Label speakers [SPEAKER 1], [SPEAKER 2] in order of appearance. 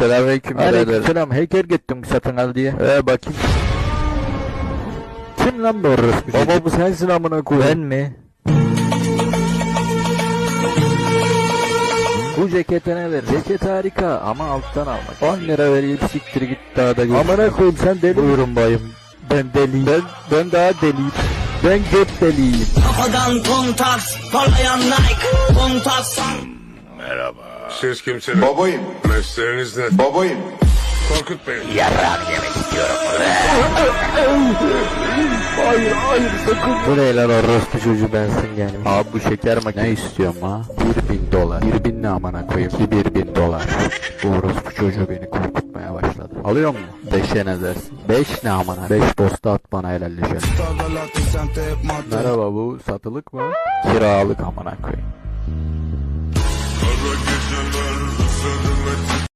[SPEAKER 1] Selamünaleyküm birader.
[SPEAKER 2] Aleykümselam. Hacker gittim satın al diye.
[SPEAKER 1] Bakayım.
[SPEAKER 2] Kim lan bu orospu?
[SPEAKER 1] Baba bu sensin amına koyayım.
[SPEAKER 2] Ben mi? Bu cekete ne ver? Ceket harika ama alttan almak.
[SPEAKER 1] 10 lira vereyim siktir git daha da gör.
[SPEAKER 2] Amına koyayım sen deli.
[SPEAKER 1] Buyurun bayım.
[SPEAKER 2] Ben deliyim.
[SPEAKER 1] Ben daha deliyim.
[SPEAKER 2] Ben göt deliyim.
[SPEAKER 3] Kafadan kontaks, parlayan Nike, kontaks.
[SPEAKER 4] Merhaba. Siz kimsiniz?
[SPEAKER 5] Babayım.
[SPEAKER 4] Mesleğiniz ne?
[SPEAKER 5] Babayım.
[SPEAKER 4] Korkut Bey.
[SPEAKER 2] Bu ne lan orospu çocuğu bensin yani.
[SPEAKER 1] Abi bu şeker makinesi.
[SPEAKER 2] Ne istiyorum ha?
[SPEAKER 1] 1000 dolar.
[SPEAKER 2] 1000 ne amına koyayım?
[SPEAKER 1] 1000 dolar.
[SPEAKER 2] Bu orospu çocuğu beni korkutmaya başladı. Alıyor mu?
[SPEAKER 1] 5'e ne dersin?
[SPEAKER 2] 5 ne amına? 5 posta at bana helalleşelim. Merhaba, bu satılık mı?
[SPEAKER 1] Kiralık amına koyayım.